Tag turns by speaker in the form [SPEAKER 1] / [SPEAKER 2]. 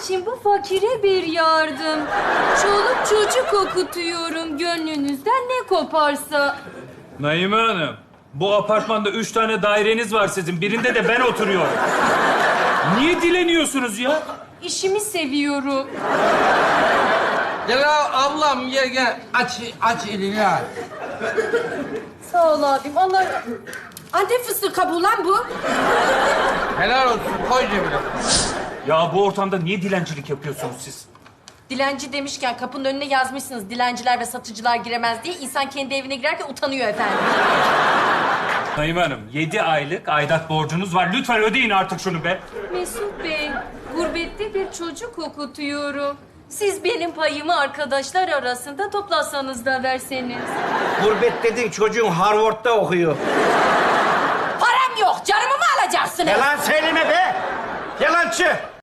[SPEAKER 1] için bu fakire bir yardım. Çoluk çocuk okutuyorum. Gönlünüzden ne koparsa.
[SPEAKER 2] Naime Hanım, bu apartmanda 3 tane daireniz var sizin. Birinde de ben oturuyorum. Niye dileniyorsunuz ya?
[SPEAKER 1] İşimi seviyorum.
[SPEAKER 3] Gel ablam gel. Aç elini aç.
[SPEAKER 1] Sağ ol abim. Allah... Antep fıstığı kabuğu lan bu.
[SPEAKER 3] Helal olsun. Koy cebine.
[SPEAKER 2] Ya bu ortamda niye dilencilik yapıyorsunuz siz?
[SPEAKER 1] Dilenci demişken kapının önüne yazmışsınız dilenciler ve satıcılar giremez diye. İnsan kendi evine girerken utanıyor efendim.
[SPEAKER 2] Naime Hanım, 7 aylık aidat borcunuz var. Lütfen ödeyin artık şunu be.
[SPEAKER 1] Mesut Bey, gurbette bir çocuk okutuyorum. Siz benim payımı arkadaşlar arasında toplasanız da verseniz.
[SPEAKER 4] Gurbet dediğin çocuğun Harvard'da okuyor.
[SPEAKER 1] Param yok, canımı mı alacaksınız?
[SPEAKER 4] Yalan söyleme be! Yalancı!